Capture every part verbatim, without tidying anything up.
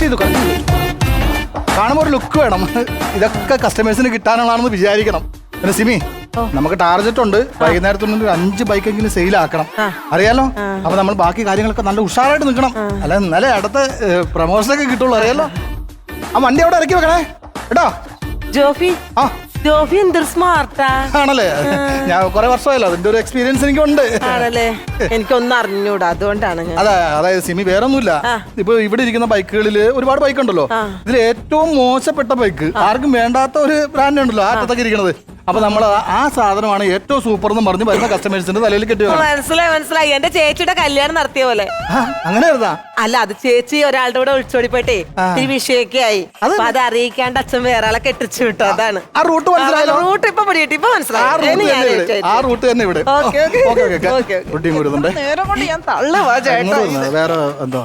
Correct ചെയ്തു correct ചെയ്തു കാണുമ്പോൾ ഒരു ലുക്ക് വേണം. ഇതൊക്കെ കസ്റ്റമേഴ്സിന് കിട്ടാനുള്ളതാണെന്ന് വിചാരിക്കണം. പിന്നെ സിമി, നമുക്ക് ടാർജറ്റ് ഉണ്ട് വൈകുന്നേരത്തുള്ളിൽ ഒരു അഞ്ച് ബൈക്കെങ്കിലും സെയിൽ ആക്കണം, അറിയാലോ. അപ്പൊ നമ്മൾ ബാക്കി കാര്യങ്ങളൊക്കെ നല്ല ഉഷാറായിട്ട് നിൽക്കണം, അല്ല എന്നാലേ അടുത്ത പ്രമോഷൻ ഒക്കെ കിട്ടുള്ളൂ, അറിയാലോ. ആ വണ്ടി അവിടെ ഇറക്കി വെക്കണേ കേട്ടോ. ജോഫി ആ ജോഫി എന്തൊരു സ്മാർട്ടാ ആണല്ലേ. ഞാൻ കുറെ വർഷമായല്ലോ, അതിന്റെ ഒരു എക്സ്പീരിയൻസ് എനിക്കുണ്ട്. ആണല്ലേ, എനിക്കൊന്നും അറിഞ്ഞൂടാ, അതുകൊണ്ടാണ്. അതെ, അതായത് സിമി വേറെ ഒന്നുമില്ല. ഇപ്പൊ ഇവിടെ ഇരിക്കുന്ന ബൈക്കുകളിൽ ഒരുപാട് ബൈക്ക് ഉണ്ടല്ലോ, ഇതിൽ ഏറ്റവും മോശപ്പെട്ട ബൈക്ക് ആർക്കും വേണ്ടാത്ത ഒരു ബ്രാൻഡ് ഉണ്ടല്ലോ ആ അറ്റത്തൊക്കെ ഇരിക്കുന്നത്. അപ്പൊ നമ്മൾ ആ സാധനമാണ് ഏറ്റവും സൂപ്പർ എന്ന് പറഞ്ഞ് വരുന്ന കസ്റ്റമേഴ്സിന്റെ തലയിൽ കെട്ടി. മനസ്സിലായി മനസ്സിലായി എന്റെ ചേച്ചിയുടെ കല്യാണം നടത്തിയ പോലെ. അങ്ങനെ അല്ല, അത് ചേച്ചി ഒരാളുടെ കൂടെ ഒളിച്ചോടി പോയിട്ടേ ഈ വിഷയൊക്കെ ആയി. അപ്പൊ അത് അറിയിക്കാണ്ട് അച്ഛൻ വേറെ ആളെ കെട്ടിച്ചു വിട്ടു. അതാണ് ആ റൂട്ട് മനസ്സിലായല്ലോ. റൂട്ട് ഇപ്പൊ പിടിയിട്ട് ഇപ്പൊ മനസ്സിലായി. ആ റൂട്ട് തന്നെ ഇവിടെ നേരം കൊണ്ട് ഞാൻ തള്ളുവാ ചേട്ടാ. വേറെ എന്താ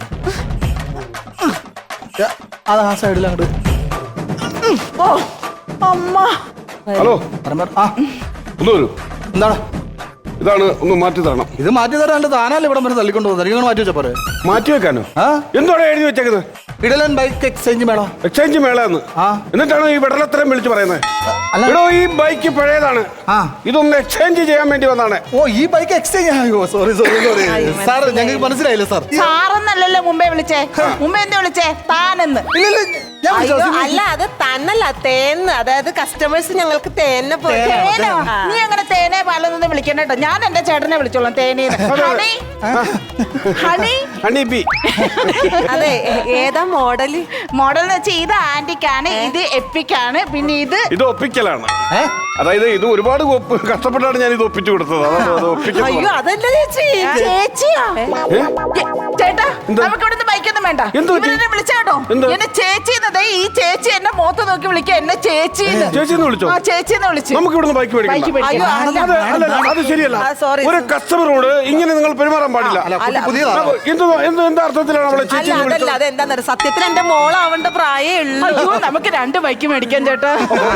അത് ആ സൈഡിൽ അങ്ങോട്ട്. ഓ അമ്മ. ഹലോ, ആ ഒന്ന് വരൂ. എന്താണ് ഇതാണ്, ഒന്ന് മാറ്റി തരണം. ഇത് മാറ്റി തരാണ്ട് താനല്ലേ ഇവിടെ വരെ തള്ളിക്കൊണ്ട് പോകുന്നത്, നിങ്ങൾ മാറ്റി വെച്ചാ പോരെ. മാറ്റി വെക്കാനോ? എന്താണ് എഴുതി വെച്ചേക്കുന്നത്? ഇടലൻ ബൈക്ക് എക്സ്ചേഞ്ച് മേള. എക്സ്ചേഞ്ച് മേളന്ന്. എന്നിട്ടാണ് ഈ വെടലത്തരം വിളിച്ചു പറയുന്നത്? എടോ, ഈ ബൈക്ക് പഴയതാണ്, ഇതൊന്ന് എക്സ്ചേഞ്ച് ചെയ്യാൻ വേണ്ടി വന്നാണ്. ഓ, ഈ ബൈക്ക് എക്സ്ചേഞ്ച്. അയ്യോ സോറി സോറി സോറി സാർ, ഞങ്ങൾക്ക് മനസ്സിലായില്ല സാർ. സാറെന്നല്ലല്ലോ മുമ്പേ വിളിച്ചേ, മുമ്പേ എന്താ വിളിച്ചേ? താനെന്ന്. അല്ല, അത് തന്നല്ല, തേന്ന്. അതായത് കസ്റ്റമേഴ്സ് ഞങ്ങൾക്ക് തേന്നെ പോയി. നീ അങ്ങനെ തേനെ പാലൊന്നും വിളിക്കണ്ട കേട്ടോ, ഞാൻ എന്റെ ചേട്ടനെ വിളിച്ചോളാം തേനേന്ന്. Honey honey honey bee. അതെ, ഏതാ മോഡല്? മോഡൽ എന്ന് വെച്ചാൽ ഇത് ആന്റിക്കാണ്, ഇത് എപ്പിക്കാണ്, പിന്നെ ഇത് ഇത് ഒപ്പിക്കലാണ്. അതായത് ഇത് ഒരുപാട് കഷ്ടപ്പെട്ടാണ് ഞാൻ ഇത് ഒപ്പിച്ചു കൊടുത്തത്. അയ്യോ അതല്ല ചേച്ചി. ചേച്ചിയാ? ചേട്ടാ, നമുക്ക് ഇവിടുന്ന് ബൈക്കൊന്നും വേണ്ട, ഇവരെന്നെ വിളിച്ചേട്ടോ. എന്നെ ചേച്ചി എന്നതേ, ഈ ചേച്ചി എന്നെ മുഖത്ത് നോക്കി വിളിക്കുക, എന്നെ ചേച്ചി ചേച്ചിന്ന് വിളിച്ചോ? ആ ചേച്ചിന്ന് വിളിച്ചു. നമുക്ക് ഇവിടുന്ന് ബൈക്ക് മേടിക്കാം. അത് ശരിയല്ല, ഒരു കസ്റ്റമറോട് ഇങ്ങനെ നിങ്ങൾ പെരുമാറാൻ പാടില്ല. എന്താ അർത്ഥത്തിലാണ് അവളെ ചേച്ചി? അതല്ല, അതെന്താ സത്യത്തിൽ എന്റെ മോളാവേണ്ട പ്രായേ ഉള്ളൂ. നമുക്ക് രണ്ട് ബൈക്ക് മേടിക്കാൻ ചേട്ടാ.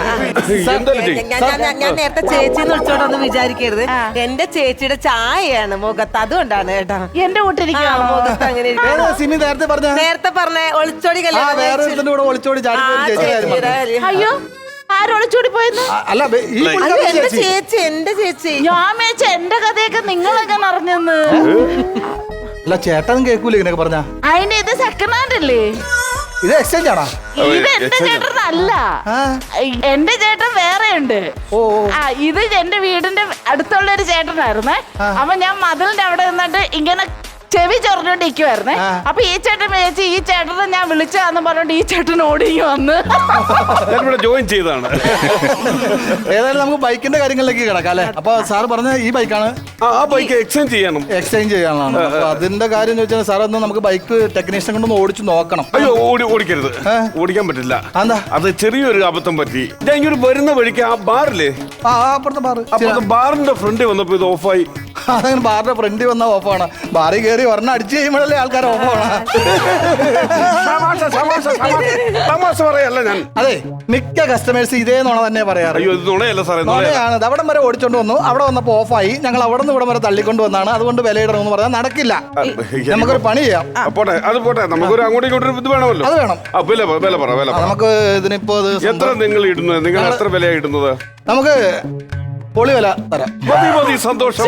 ഞാൻ നേരത്തെ ചേച്ചിന്ന് വിളിച്ചോണ്ടൊന്ന് വിചാരിക്കരുത്, എന്റെ ചേച്ചിയുടെ ചായയാണ് മുഖത്ത്, അതുകൊണ്ടാണ് കേട്ടോ. എന്റെ കൂട്ടിരിക്കുക മുഖത്ത് അങ്ങനെ നേരത്തെ പറഞ്ഞ ഒളിച്ചോടി ഒളിച്ചോടി. അയ്യോ, ആരൊളിച്ചോടി പോയെന്ന്? എന്റെ ചേച്ചി എന്റെ ചേച്ചി ഞാൻ മേച്ച എന്റെ കഥയൊക്കെ നിങ്ങളെങ്ങനെ അറിഞ്ഞെന്ന്. അല്ല, ചേട്ടനും കേൾക്കൂല ഇങ്ങനെയൊക്കെ പറഞ്ഞ. അതിന്റെ ഇത് സെക്കൻഡ് ഹാൻഡ് അല്ലേ? ഇത് എക്സ്ചേഞ്ച് ആണോ? ഇത് എന്റെ ചേട്ടനല്ല, എന്റെ ചേട്ടൻ വേറെ ഉണ്ട്. ആ, ഇത് എന്റെ വീടിന്റെ അടുത്തുള്ള ഒരു ചേട്ടനായിരുന്നേ. അപ്പൊ ഞാൻ മതിലിന്റെ അവിടെ നിന്നിട്ട് ഇങ്ങനെ ചെവി ചൊറിഞ്ഞോണ്ടിരിക്കുവായിരുന്നേ. അപ്പൊ ഈ ചേട്ടൻ വിചാരിച്ചു ഈ ചേട്ടനെ ഞാൻ വിളിച്ചാന്ന് പറഞ്ഞോണ്ട് ഈ ചേട്ടൻ ഓടി വന്ന് ജോയിൻ ചെയ്താണ്. ഏതായാലും നമുക്ക് ബൈക്കിന്റെ കാര്യങ്ങളിലേക്ക് കിടക്കാം അല്ലെ. അപ്പൊ സാർ പറഞ്ഞ ഈ ബൈക്കാണ്, ആ ബൈക്ക് എക്സ്ചേഞ്ച് ചെയ്യണം. എക്സ്ചേഞ്ച് ചെയ്യാനാണ്. അപ്പൊ അതിന്റെ കാര്യം ചോദിച്ചാൽ സാർ ഒന്ന് നമുക്ക് ബൈക്ക് ടെക്നീഷ്യൻ കൊണ്ടൊന്ന് ഓടിച്ചു നോക്കണം. അയ്യോ, ഓടി ഓടിക്കരുത്, ഓടിക്കാൻ പറ്റില്ല. അത് ചെറിയൊരു അബദ്ധം പറ്റി. ഞാൻ ഇങ്ങനെ വരുന്ന വഴിക്ക് ആ ബാറില്ലേ, ആ അപ്പുറത്തെ ബാർ, അപ്പുറത്തെ ബാറിന്റെ ഫ്രണ്ട് വന്നപ്പോ ഇത് ഓഫായി. അതങ്ങനെ ബാറിന്റെ ഫ്രണ്ടിൽ വന്ന ഓഫാണ്. ബാറിൽ കയറി ഒരെണ്ണം അടിച്ചു കഴിയുമ്പോഴല്ലേ ആൾക്കാർ ഓഫാണ്. തമാശ പറയല്ല ഞാൻ. അതെ, മിക്ക കസ്റ്റമേഴ്സ് ഇതേ നുണ തന്നെ പറയാറ്. അയ്യോ, ഇത് നുണയല്ല സാറേ, നുണയാണ്. അവിടം വരെ ഓടിച്ചോണ്ട് വന്നു, അവിടെ വന്നപ്പോ ഓഫായി, ഞങ്ങൾ അവിടെ നിന്ന് ഇവിടം വരെ തള്ളിക്കൊണ്ട് വന്നാണ്, അതുകൊണ്ട് വിലയിടണമെന്ന് പറഞ്ഞാൽ നടക്കില്ല. നമുക്കൊരു പണി ചെയ്യാം. പോട്ടെ, അത് പോട്ടെ, നമുക്കൊരു അങ്ങോട്ടും ഇങ്ങോട്ടും ഇത് വേണമല്ലോ. അത് വേണം. വില വില പറ വില നമുക്ക് ഇതിനിപ്പോ എത്ര നിങ്ങൾ ഇടുന്നത്? നിങ്ങൾ എത്ര വിലയാണ് ഇടുന്നത്? നമുക്ക് പൊളി വില തരാം. മതി മതി, സന്തോഷം.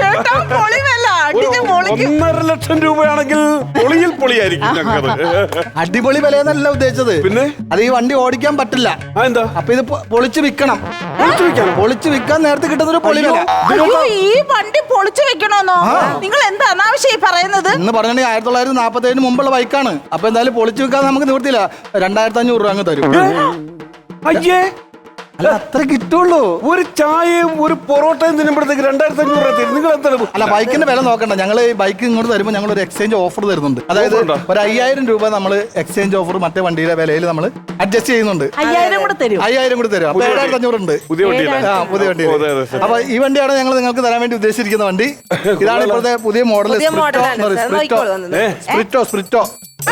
ഒന്നര ലക്ഷം രൂപയാണെങ്കിൽ പൊളിയിൽ പൊളിയായിരിക്കും ഞങ്ങൾക്ക്. അടിപൊളി വിലയെന്നല്ല ഉദ്ദേശിച്ചത്, പിന്നെ അത് ഈ വണ്ടി ഓടിക്കാൻ പറ്റില്ല. എന്താ? അപ്പൊ ഇത് പൊളിച്ച് വിൽക്കണം. പൊളിച്ച് വിൽക്കാൻ നേരത്തെ കിട്ടുന്ന ഒരു പൊളി വില. ഈ വണ്ടി പൊളിച്ചു വെക്കണോന്നോ? നിങ്ങൾ എന്താ അനാവശ്യമായി പറയുന്നത്? എന്ന് പറഞ്ഞിട്ടുണ്ടെങ്കിൽ ആയിരത്തി തൊള്ളായിരത്തി നാപ്പത്തി ഏഴിന് മുമ്പുള്ള ബൈക്കാണ്. അപ്പൊ എന്തായാലും പൊളിച്ചു വിൽക്കാൻ നമുക്ക് നിവൃത്തിയില്ല. രണ്ടായിരത്തി അഞ്ഞൂറ് രൂപ അങ്ങ് തരും. അയ്യേ, അല്ല അത്ര കിട്ടുള്ളൂ. ഒരു ചായയും ഒരു പൊറോട്ടയും തിന്നുമ്പോഴത്തേക്ക് രണ്ടായിരത്തി അഞ്ഞൂറ് രൂപ തരും. നിങ്ങൾ എന്താ? അല്ല, ബൈക്കിന്റെ വില നോക്കണ്ട. ഞങ്ങൾ ബൈക്ക് ഇങ്ങോട്ട് തരുമ്പോൾ ഞങ്ങൾ ഒരു എക്സ്ചേഞ്ച് ഓഫർ തരുന്നുണ്ട്. അതായത് ഒരു അയ്യായിരം രൂപ നമ്മൾ എക്സ്ചേഞ്ച് ഓഫർ മറ്റേ വണ്ടിയുടെ വിലയിൽ നമ്മൾ അഡ്ജസ്റ്റ് ചെയ്യുന്നുണ്ട്. അയ്യായിരം കൂടെ തരും. അയ്യായിരം കൂടെ തരും. അപ്പൊ ഏഴായിരത്തി അഞ്ഞൂറ് ഉണ്ട്. പുതിയ വണ്ടി. ആ, പുതിയ വണ്ടി. അപ്പൊ ഈ വണ്ടിയാണ് ഞങ്ങൾ നിങ്ങൾക്ക് തരാൻ വേണ്ടി ഉദ്ദേശിച്ചിരിക്കുന്ന വണ്ടി. ഇതാണ് ഇപ്പോഴത്തെ പുതിയ മോഡൽ സ്പ്രിറ്റോ. സ്പ്രിറ്റോ സ്പ്രിറ്റോ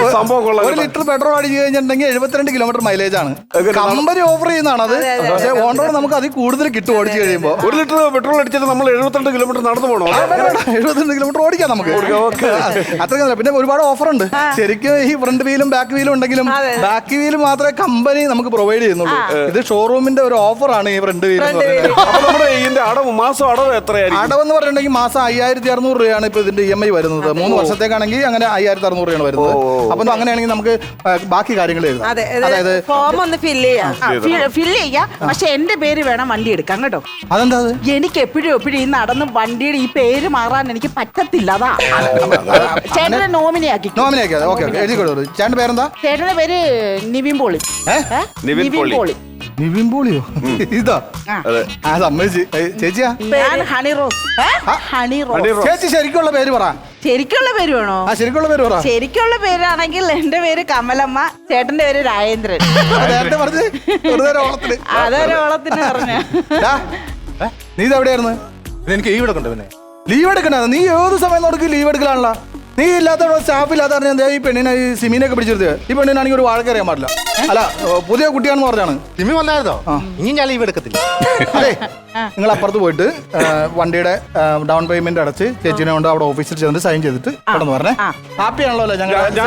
സംഭവം കൊള്ളാം ഒരു ലിറ്റർ പെട്രോൾ അടിച്ചു കഴിഞ്ഞിട്ടുണ്ടെങ്കിൽ എഴുപത്തിരണ്ട് കിലോമീറ്റർ മൈലേജ് ആണ് കമ്പനി ഓഫർ ചെയ്യുന്നതാണ് അത്. പക്ഷേ ഓൺ റോഡ് നമുക്ക് അതിൽ കൂടുതൽ കിട്ടും ഓടിച്ചു കഴിയുമ്പോൾ. ഒരു ലിറ്റർ പെട്രോൾ അടിച്ചിട്ട് നമ്മൾ എഴുപത്തിരണ്ട് കിലോമീറ്റർ നടന്നു പോകണോ? എഴുപത്തിരണ്ട് കിലോമീറ്റർ ഓടിക്കാം നമുക്ക്. അത്രയും. പിന്നെ ഒരുപാട് ഓഫർ ഉണ്ട് ശരിക്കും. ഈ ഫ്രണ്ട് വീലും ബാക്ക് വീലും ഉണ്ടെങ്കിലും ബാക്ക് വീല് മാത്രമേ കമ്പനി നമുക്ക് പ്രൊവൈഡ് ചെയ്യുന്നുള്ളൂ. ഇത് ഷോറൂമിന്റെ ഒരു ഓഫറാണ് ഈ ഫ്രണ്ട് വീൽ. നമ്മുടെ ഇതിന്റെ അടവ് മാസം അടവ് എത്രയായിരിക്കും? അടവെന്ന് പറഞ്ഞിട്ടുണ്ടെങ്കിൽ മാസം അയ്യായിരത്തി അറുന്നൂറ് രൂപയാണ് ഇപ്പൊ ഇതിന്റെ ഇ എം ഐ വരുന്നത്. മൂന്ന് വർഷത്തേക്കാണെങ്കിൽ അങ്ങനെ അയ്യായിരത്തി അറുന്നൂറ് രൂപയാണ് വരുന്നത്. അപ്പൊ അങ്ങനെയാണെങ്കിൽ നമുക്ക് ബാക്കി കാര്യങ്ങൾ എഴുതാം. അതായത് ഫോം ഒന്ന് ഫില്ല് ചെയ്യാം. ഫില്ല് ചെയ്യാം. പക്ഷെ എന്റെ പേര് വേണം വണ്ടി എടുക്കാൻ കേട്ടോ. അതെന്താ? എനിക്ക് എപ്പോഴും എപ്പോഴും ഈ നടന്ന് വണ്ടിയുടെ ഈ പേര് മാറാൻ എനിക്ക് പറ്റത്തില്ല. അതാ ചേട്ടനെ നോമിനിയാക്കി. നോമിനിയാക്കി. ഓക്കെ ഓക്കെ എഴുതി കൊടുത്തു. ചേട്ടന്റെ പേരെന്താ? ചേട്ടന്റെ പേര് നിവിൻ പോളി. നിവിൻ പോളി. നിവിൻ പോളിയോ? ഇതാ ആ സമ്മതിച്ച്. ചേച്ചിയാ? ഞാൻ ഹണി റോസ്. Honey rose. ചേച്ചി ശരിക്കുള്ള പേര് പറ. ശരിക്കുള്ള പേര് വേണോ? ആ ശരിക്കുള്ള പേര് പറ. ശരിക്കുള്ള പേരാണെങ്കിൽ എന്റെ പേര് കമലമ്മ, ചേട്ടന്റെ പേര് രാജേന്ദ്രൻ. നേരത്തെ പറഞ്ഞ് ഓളത്തിന് അതൊരു ഓളത്തിന് പറഞ്ഞ. നീ ഇത് എവിടെയായിരുന്നു? എനിക്ക് ലീവ് എടുക്കണ്ട. പിന്നെ ലീവ് എടുക്കണ? നീ ഏത് സമയം നോക്കി ലീവ് എടുക്കലാണല്ലോ. നീ ഇല്ലാത്ത സ്റ്റാഫ് ഇല്ലാത്ത പറഞ്ഞാൽ ഈ പെണ്ണിനെ ഈ സിമീനൊക്കെ പിടിച്ചെടുത്ത്. ഈ പെണ്ണിനാണെങ്കിൽ ഒരു വാഴ അറിയാൻ പാടില്ല. അല്ല പുതിയ കുട്ടിയാണെന്ന് പറഞ്ഞാണ്. സിമി വന്നായിരുന്നോ? ഇനി ഞാൻ ലീവ് എടുക്കത്തില്ല. അതെ നിങ്ങൾ അപ്പുറത്ത് പോയിട്ട് വണ്ടിയുടെ ഡൗൺ പേയ്മെന്റ് അടച്ച് ചേച്ചിനെ കൊണ്ട് അവിടെ ഓഫീസിൽ ചെന്നിട്ട് സൈൻ ചെയ്തിട്ട് കടന്നു പറഞ്ഞേ. ഹാപ്പിയാണല്ലോ അല്ലേ?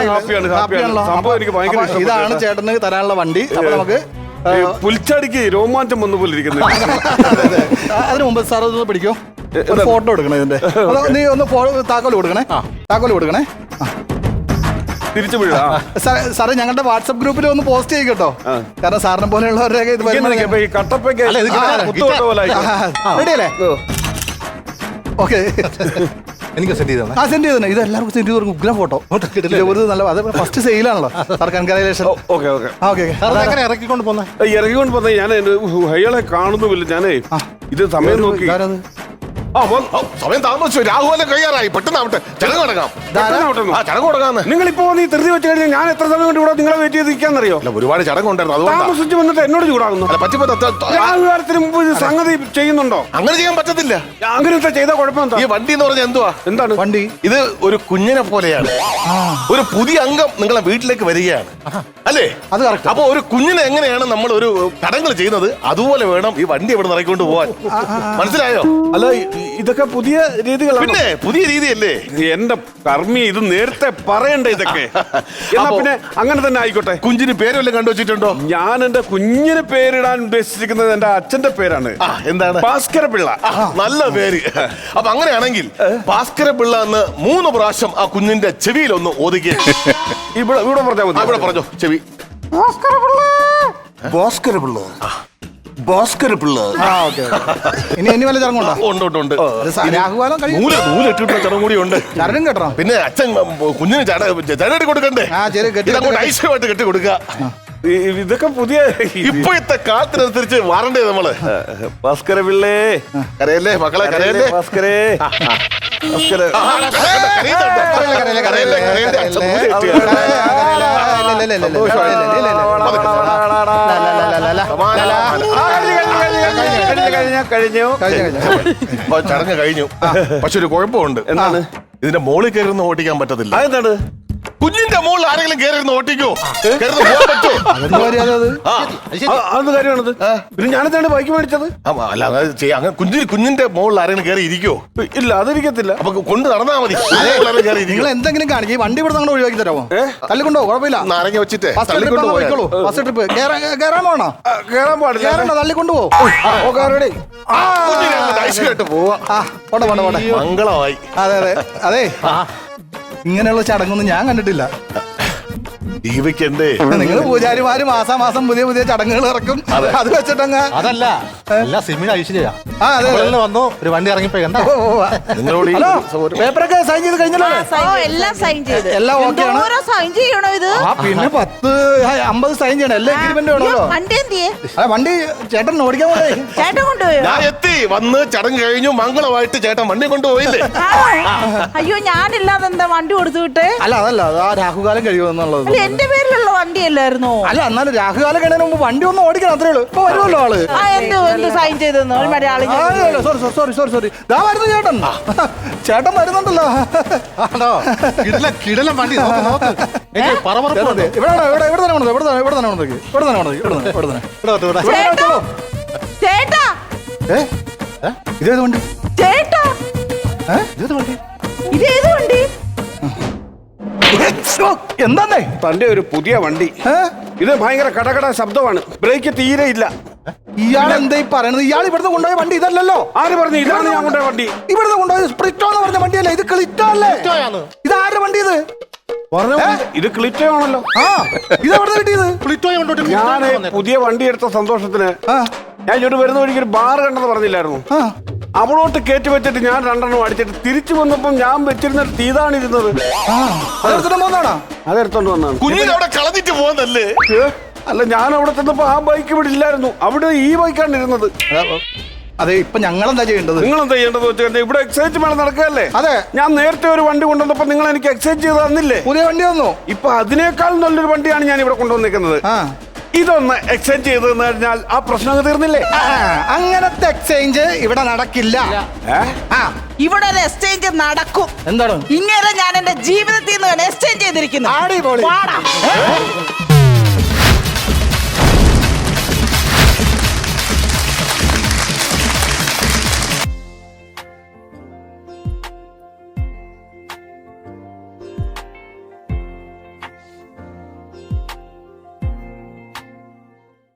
ഞങ്ങൾ ഇതാണ് ചേട്ടന് തരാനുള്ള വണ്ടി. അപ്പൊ നമുക്ക് പുൽച്ചാടിക്ക് രോമാഞ്ചം വന്നു പോലെ ഇരിക്കുന്നു. അതിന് മുമ്പ് സാർ ഒന്ന് പിടിക്കോ, ഫോട്ടോ എടുക്കണേ ഇതിന്റെ. നീ ഒന്ന് താക്കോല് കൊടുക്കണേ. താക്കോല് കൊടുക്കണേ. തിരിച്ചു വീഴാ സാറേ ഞങ്ങളുടെ വാട്സപ്പ് ഗ്രൂപ്പിൽ ഒന്ന് പോസ്റ്റ് ചെയ്യട്ടോ. കാരണം സാറിനെ പോലെയുള്ളവരൊക്കെ ഇത് റെഡിയല്ലേ? ഓക്കെ എനിക്ക് സെൻഡ് ചെയ്തോ? ആ സെൻഡ് ചെയ്തേ. ഇത് എല്ലാവർക്കും സെൻഡ് ചെയ്ത് കൊടുക്കും. ഉഗ്രം ഫോട്ടോ ഒരു നല്ല. അത് ഫസ്റ്റ് സെയിലാണല്ലോ സാർ. കൺഗ്രാജുലേഷൻ. Okay okay okay. എങ്ങനെ ഇറക്കിക്കൊണ്ട് പോന്നെ? ഇറക്കിക്കൊണ്ട് പോന്നെ ഞാൻ അയാളെ കാണുന്നുമില്ല. ഞാനേ ഇത് സമയം നോക്കി സമയം താമസിച്ചു. രാഹുലം കഴിയാറായി. പെട്ടെന്നാവട്ടെ. ചടങ്ങ് തുടങ്ങാം. ചടങ്ങ് തുടങ്ങാന്ന്. നിങ്ങളിപ്പോ നീ ധൃതി വെച്ച് കഴിഞ്ഞാൽ ഞാൻ എത്ര സമയം കൊണ്ട് ഇവിടെ നിങ്ങളെ വെയിറ്റ് ചെയ്തിരിക്കാന്നറിയോ? ഒരുപാട് ചടങ്ങുണ്ടായിരുന്നു. അതുകൊണ്ട് താമസിച്ച് വന്നിട്ട് എന്നോട് ചൂടാകുന്നു. രാഹുകാലത്തിന് മുമ്പ് സംഗതി ചെയ്യുന്നുണ്ടോ? അങ്ങനെ ചെയ്യാൻ പറ്റത്തില്ല. അങ്ങനത്തെ ചെയ്ത കുഴപ്പം ഈ വണ്ടി എന്ന് പറഞ്ഞാൽ എന്തുവാ? എന്താണ് വണ്ടി? ഇത് ഒരു കുഞ്ഞിനെ പോലെയാണ്. ഒരു പുതിയ അംഗം നിങ്ങളെ വീട്ടിലേക്ക് വരികയാണ് അല്ലേ? അത് കറക്റ്റ്. അപ്പൊ ഒരു കുഞ്ഞിനെ എങ്ങനെയാണ് നമ്മൾ ഒരു ചടങ്ങ് ചെയ്യുന്നത് അതുപോലെ വേണം ഈ വണ്ടി ഇവിടെ നിറക്കൊണ്ട് പോവാൻ. മനസ്സിലായോ? അല്ല ഇതൊക്കെ പുതിയ രീതികളാണ്. പിന്നെ പുതിയ രീതിയല്ലേ? എന്റെ കർമ്മി ഇത് നേരത്തെ പറയണ്ടേ ഇതൊക്കെ? എന്നാ പിന്നെ അങ്ങനെ തന്നെ ആയിക്കോട്ടെ. കുഞ്ഞിന് പേരെല്ലാം കണ്ടുവച്ചിട്ടുണ്ടോ? ഞാൻ എന്റെ കുഞ്ഞിന് പേരിടാൻ ഉദ്ദേശിച്ചിരിക്കുന്നത് എന്റെ അച്ഛന്റെ പേരാണ്. എന്താണ്? ഭാസ്കര പിള്ള. നല്ല പേര്. അപ്പൊ അങ്ങനെയാണെങ്കിൽ ഭാസ്കര പിള്ള എന്ന് മൂന്ന് പ്രാവശ്യം ആ കുഞ്ഞിന്റെ ചെവിയിൽ ഒന്ന് ഒതുക്കി ഇവിടെ ഇവിടെ പറഞ്ഞാൽ മതി. ഇവിടെ പറഞ്ഞോ ചെവി. ഭാസ്കര പിള്ള. ഭാസ്കര പിള്ള. ഭാസ്കര പിള്ള. ഇനി ഇനി വല്ല ചടങ്ങുണ്ടോ? ഉണ്ട് ഉണ്ട് ഉണ്ട്. രാഹുകാലം നൂല് നൂലിട്ടിട്ടുള്ള ചടങ്ങ് കൂടി ഉണ്ട്. ചടങ്ങ് കെട്ടണം. പിന്നെ അച്ഛൻ കുഞ്ഞിന് ചട ചടങ്ങ് കൊടുക്കണ്ടേ? ഇതങ്ങോട്ട് ഐശ്വര്യമായിട്ട് കെട്ടി കൊടുക്കുക. ഇതൊക്കെ പുതിയ ഇപ്പോഴത്തെ കാലത്തിനനുസരിച്ച് മാറണ്ടേ നമ്മള്? ഭാസ്കര പിള്ളേ. കരയല്ലേ മക്കളെ, കരയല്ലേ? ഭാസ്കരേ. ഭാസ്കര കഴിഞ്ഞു ചടങ്ങ് കഴിഞ്ഞു. പക്ഷെ ഒരു കുഴപ്പമുണ്ട്. എന്താണ്? ഇതിന്റെ മോളിൽ കയറുന്ന ഓട്ടിക്കാൻ പറ്റത്തില്ല. അതെന്താണ്? കുഞ്ഞിന്റെ മുകളിൽ ആരെങ്കിലും കയറി ഓട്ടിക്കോ? അത് കാര്യമാണത്. പിന്നെ ഞാനെന്താണ് ബൈക്ക് മേടിച്ചത്? അല്ല അങ്ങനെ കുഞ്ഞിന് കുഞ്ഞിന്റെ മുകളിൽ ആരെങ്കിലും കയറി ഇരിക്കോ? ഇല്ല അതിരിക്കത്തില്ല. അപ്പൊ കൊണ്ട് നടന്നാ മതി. നിങ്ങൾ എന്തെങ്കിലും കാണിക്കും. വണ്ടി ഇവിടെ നമ്മൾ ഒഴിവാക്കി തരാമോ? തള്ളിക്കൊണ്ടോ? കുഴപ്പമില്ല. നാരങ്ങ വെച്ചിട്ട് ഫസ്റ്റ് ട്രിപ്പ് കയറാൻ പോണോ? കയറാൻ പാടില്ല. കയറണ്ട, തള്ളിക്കൊണ്ടു പോ. പോട്ടെ പോട്ടെ പോട്ടെ. മംഗളമായി. അതെ അതെ അതെ. ഇങ്ങനെയുള്ള ചടങ്ങൊന്നും ഞാൻ കണ്ടിട്ടില്ല. ജീവിക്കണ്ടേ? നിങ്ങൾ പൂജാരിമാര് മാസാ മാസം പുതിയ പുതിയ ചടങ്ങുകൾ ഇറക്കും. അത് വെച്ചിട്ടങ്ങ് അതല്ല എല്ലാ സിമിന് ഐശ്വര്യ വന്നു ഒരു വണ്ടി ഇറങ്ങിപ്പോ കണ്ടോ? ഹലോ, പേപ്പറൊക്കെ സൈൻ ചെയ്ത് കഴിഞ്ഞല്ലോ? എല്ലാം സൈൻ ചെയ്ത് എല്ലാം ഓക്കെയാണ്. സൈൻ ചെയ്യണോ ഇത്? പിന്നെ പത്ത് അമ്പത് സൈൻ ചെയ്യണം. എല്ലാം എഗ്രിമെന്റ് വേണമല്ലോ. വണ്ടി എന്തിയെ? വണ്ടി ചേട്ടൻ ഓടിക്കാൻ പോയി. ചേട്ടൻ കൊണ്ടുപോയോ? ഞാൻ എത്തി. വന്ന് ചടങ്ങ് കഴിഞ്ഞു. മംഗളമായിട്ട് ചേട്ടൻ വണ്ടി കൊണ്ടുപോയില്ലേ? അയ്യോ ഞാനില്ലാതെ എന്താ വണ്ടി കൊടുത്തു വിട്ടേ? അല്ല അതല്ല, അത് ആ രാഹുകാലം കഴിയുമെന്നുള്ളത്. എന്റെ പേരിലുള്ള വണ്ടിയല്ലായിരുന്നോ? അല്ല എന്നാലും രാഹുകാലം കഴിഞ്ഞതിന് മുമ്പ് വണ്ടി ഒന്ന് ഓടിക്കണം അത്രേ ഉള്ളൂ. ഇപ്പൊ വരുമല്ലോ ആള്. ആ എന്ത് എന്ത് സൈൻ ചെയ്തെന്നോ ഒരു Malayali? Sorry sorry sorry sorry ദാ വരുന്നു ചേട്ടൻ. ചേട്ടൻ വരുന്നുണ്ടല്ലോ. ആണോ? കിടിലൻ കിടിലൻ വണ്ടി നോക്ക്, നോക്ക്. എനിക്ക് പറപറപ്പ് ഉണ്ട്. ഇവിടെ ഇവിടെ ഇവിടെ തന്നെ കൊണ്ടു ഇവിടെ തന്നെ ഇവിടെ തന്നെ കൊണ്ടു ഇവിടെ തന്നെ കൊണ്ടു ഇവിടെ തന്നെ ഇവിടെ തന്നെ ഇവിടെ വരട്ടെ, ഇവിടെ. ഇവിടെ ചേട്ടാ വെച്ചോളൂ. ചേട്ടാ ഏ ഇതേത് വണ്ടി? ചേട്ടാ ഏ ഇതേത് വണ്ടി? ഇതേത് വണ്ടി? എന്താന്നേ? തന്റെ ഒരു പുതിയ വണ്ടി. ഏ? ഇത് ഭയങ്കര കടകട ശബ്ദമാണ്, ബ്രേക്ക് തീരെ ഇല്ല. ഇയാൾ എന്താ ഈ പറയണത്? ഇയാൾ ഇവിടുന്ന് കൊണ്ടുപോയ വണ്ടി ഇതല്ലല്ലോ. ആര് പറഞ്ഞു ഇതാണ് ഞാൻ കൊണ്ടുപോയ വണ്ടി? ഇവിടുന്ന് കൊണ്ടുപോയത് സ്പ്രിറ്റോ എന്ന് പറഞ്ഞ വണ്ടിയല്ലേ? ഇത് ക്ലിറ്റോ അല്ലേ? ഇത് ആരുടെ വണ്ടി ഇത്? പറഞ്ഞ ഇത് ക്ലിറ്റോ ആണല്ലോ. ആ ഇത് എവിടെ കിട്ടിയത്? പ്ലിറ്റോയെ കൊണ്ടോട്ട് ഞാൻ പുതിയ വണ്ടി എടുത്ത സന്തോഷത്തിന് ആ ഞാൻ ഇങ്ങോട്ട് വരുന്ന വഴിക്ക് ഒരു ബാർ കണ്ടെന്ന് പറഞ്ഞില്ലായിരുന്നു? ആ അവളോട്ട് കയറ്റി വെച്ചിട്ട് ഞാൻ രണ്ടെണ്ണം അടിച്ചിട്ട് തിരിച്ചു വന്നപ്പം ഞാൻ വെച്ചിരുന്ന തീതാണ് ഇരുന്നത്. ആ അതെടുത്തിട്ട് പോന്നാണോ? അതെടുത്തോണ്ട് വന്നാണ്. കുഞ്ഞിനെ അവിടെ കളഞ്ഞിട്ട് പോകുന്നല്ലേ? ഏ? അല്ല, ഞാൻ അവിടെ ചെന്നപ്പോ ആ ബൈക്ക് ഇവിടെ ഇല്ലായിരുന്നു, അവിടെ ഈ ബൈക്കാണ് ഇരുന്നത്. അതെ ഇപ്പൊ ഞങ്ങൾ എന്താ ചെയ്യേണ്ടത്? നിങ്ങൾ എന്താ ചെയ്യേണ്ടത് വെച്ച് കഴിഞ്ഞാൽ ഇവിടെ എക്സൈസ് മേളം നടക്കുകയല്ലേ? അതെ. ഞാൻ നേരത്തെ ഒരു വണ്ടി കൊണ്ടുവന്നപ്പോ നിങ്ങൾ എനിക്ക് എക്സൈസ് ചെയ്ത് തന്നില്ലേ? പുതിയ വണ്ടി വന്നു. ഇപ്പൊ അതിനേക്കാൾ നല്ലൊരു വണ്ടിയാണ് ഞാൻ ഇവിടെ കൊണ്ടുവന്നിരിക്കുന്നത്. ആ ഇതൊന്ന് എക്സ്ചേഞ്ച് ചെയ്ത് കഴിഞ്ഞാൽ ആ പ്രശ്നം അങ്ങ് തീർന്നില്ലേ? ആ, അങ്ങനത്തെ എക്സ്ചേഞ്ച് ഇവിടെ നടക്കില്ല. ഏ? ആ ഇവിടെ ഒരു എക്സ്ചേഞ്ച് നടക്കും. എന്താണ്? ഇങ്ങനെ ഞാൻ എന്റെ ജീവിതത്തിൽ നിന്ന് എക്സ്ചേഞ്ച് ചെയ്തിരിക്കുന്നു. അടിപൊളി. വാടാ.